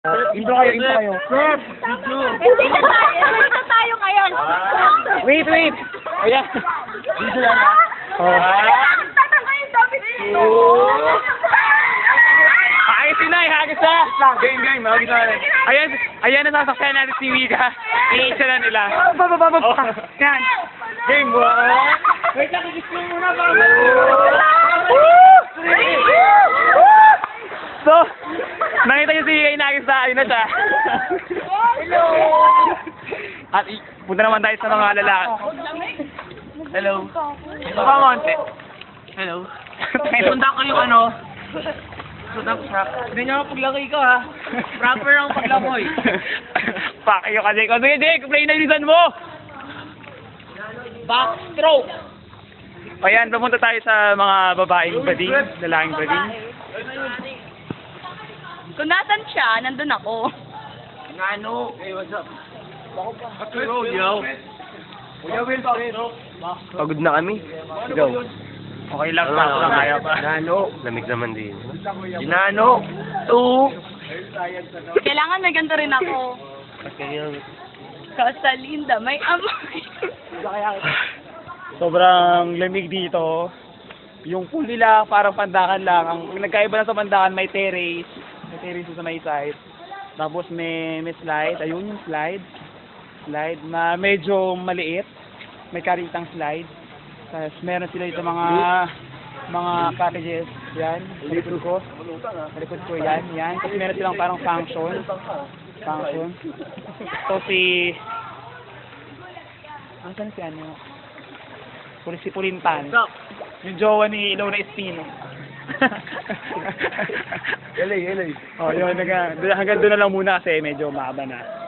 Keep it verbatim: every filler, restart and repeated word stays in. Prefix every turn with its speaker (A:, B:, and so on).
A: Intro kayo, intro kayo.
B: Hindi na tayo. Hindi na tayo ngayon.
A: Wait, wait. Ayan. Dito lang ha. Oh.
B: Tatangay, sabi niyo.
A: Hagis si Nay, hagis na. Game, game. Hagis na. Ayan, ayan na sasakyan natin si Mika. Iisa na nila. Baba, baba, baba. Yan. Game, one. Wait lang, hagis mo muna. So, nakita niyo si Inagis na, ayun na siya.
B: Hello.
A: At i- punta naman tayo sa mga lalaki. Hello. Ito pa, Monte. Hello. Sundan ko yung ano. Sundan ko siya. Hindi niyo paglaki ko, ha. Proper ang paglamoy. Fuck you kasi ko. Sige, Jake, play na ilisan mo. Backstroke. Ayan, pumunta tayo sa mga babaeng bading, lalaking bading.
B: Kung nasan siya, nandun ako.
A: Ano? Hey, what's up? Yo, yo. Kuya Will, bakit?
C: Pagod na kami. Ikaw.
A: Okay lang, paso lang kaya pa.
C: Nano. Lamig naman din.
A: Ginano. Two.
B: Kailangan may ganito rin ako.
C: Kasi yun.
B: Kasalinda, may amoy.
A: Sobrang lamig dito. Yung pool nila parang pandakan lang. Ang nagkaiba lang sa pandakan may terrace. May terrace sa may side. Tapos may may slide. Ayun yung slide. Slide na medyo maliit. May karitang slide. Tapos meron sila dito mga mga cottages. Yan. Sa likod ko. Sa likod ko yan. Yan. Tapos meron silang parang function. Function. So si... Asan si ano? Si Pulintan. Yung jowa ni Ilona Espino.
C: Helay, helay.
A: Oh, yun. Hanggang doon na lang muna kasi medyo mahaba na.